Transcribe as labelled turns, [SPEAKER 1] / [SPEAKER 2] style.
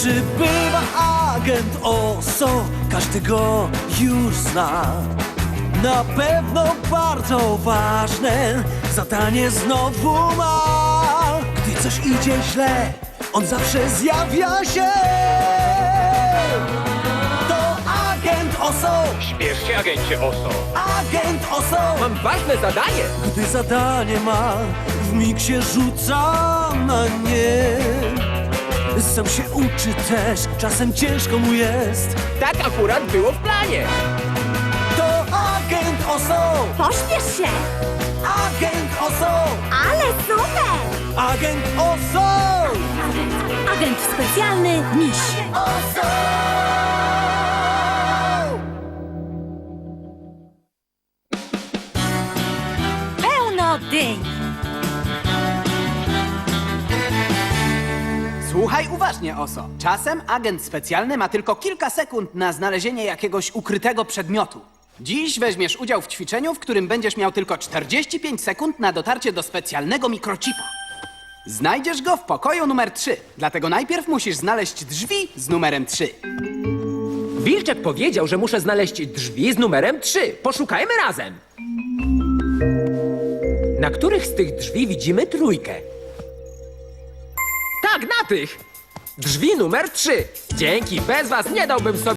[SPEAKER 1] Przybywa agent Oso, każdy go już zna. Na pewno bardzo ważne zadanie znowu ma. Gdy coś idzie źle, on zawsze zjawia się. To agent Oso,
[SPEAKER 2] Śpiesz się, agencie Oso.
[SPEAKER 1] agent Oso.
[SPEAKER 3] Mam ważne zadanie!
[SPEAKER 1] Gdy zadanie ma, wmig się rzuca na nie. Sam się uczy też, czasem ciężko mu jest.
[SPEAKER 3] Tak akurat było w planie!
[SPEAKER 1] To agent Oso,
[SPEAKER 4] Pośpiesz się!
[SPEAKER 1] agent Oso,
[SPEAKER 4] Ale super!
[SPEAKER 1] agent Oso.
[SPEAKER 4] Agent specjalny Miś. Pełno dyń.
[SPEAKER 5] Słuchaj uważnie, Oso. Czasem agent specjalny ma tylko kilka sekund na znalezienie jakiegoś ukrytego przedmiotu. Dziś weźmiesz udział w ćwiczeniu, w którym będziesz miał tylko 45 sekund na dotarcie do specjalnego mikrochipa. Znajdziesz go w pokoju numer 3, dlatego najpierw musisz znaleźć drzwi z numerem 3.
[SPEAKER 3] Wilczek powiedział, że muszę znaleźć drzwi z numerem 3. Poszukajmy razem! Na których z tych drzwi widzimy trójkę? Tak, na tych! Drzwi numer 3. Dzięki, bez was nie dałbym sobie